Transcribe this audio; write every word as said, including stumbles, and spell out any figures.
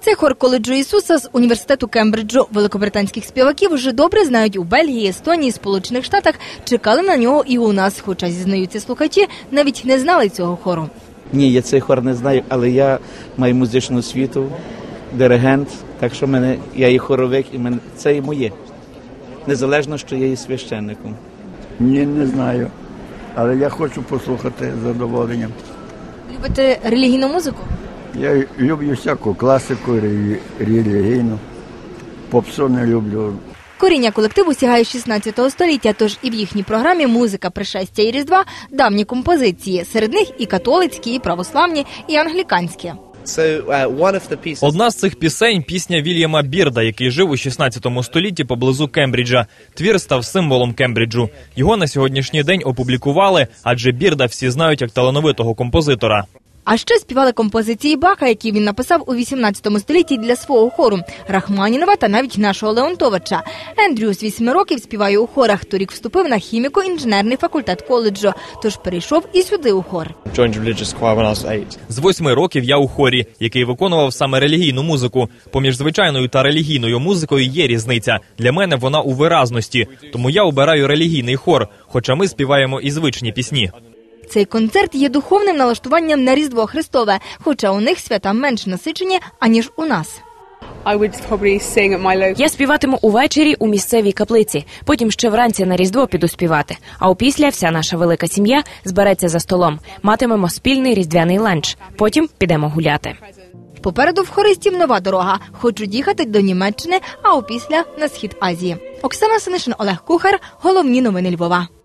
Це хор коледжу Ісуса з університету Кембриджу. Великобританських співаків вже добре знають у Бельгії, Естонії, Сполучених Штатах. Чекали на нього і у нас, хоча, зізнаються слухачі, навіть не знали цього хору. Ні, я цей хор не знаю, але я маю музичну освіту, диригент, так що мене, я і хоровик, і мене, це і моє. Незалежно, що я є священником. Ні, не знаю, але я хочу послухати з задоволенням. Любите релігійну музику? Я люблю всяку класику, релігійну, попсу не люблю. Коріння колективу сягає шістнадцятого століття, тож і в їхній програмі музика пришестя і Різдва – давні композиції. Серед них і католицькі, і православні, і англіканські. Одна з цих пісень – пісня Вільяма Бірда, який жив у шістнадцятому столітті поблизу Кембриджа. Твір став символом Кембриджу. Його на сьогоднішній день опублікували, адже Бірда всі знають як талановитого композитора. А ще співали композиції Баха, які він написав у вісімнадцятому столітті для свого хору, Рахманінова та навіть нашого Леонтовича. Ендрю з вісьми років співає у хорах, торік вступив на хіміко-інженерний факультет коледжу, тож перейшов і сюди у хор. З восьми років я у хорі, який виконував саме релігійну музику. Поміж звичайною та релігійною музикою є різниця. Для мене вона у виразності, тому я обираю релігійний хор, хоча ми співаємо і звичні пісні. Цей концерт є духовним налаштуванням на Різдво Христове, хоча у них свята менш насичені, аніж у нас. Я співатиму увечері у місцевій каплиці, потім ще вранці на Різдво піду співати. А опісля вся наша велика сім'я збереться за столом. Матимемо спільний різдвяний ланч. Потім підемо гуляти. Попереду в хористів нова дорога. Хочуть їхати до Німеччини, а опісля на схід Азії. Оксана Синишин, Олег Кухар. Головні новини Львова.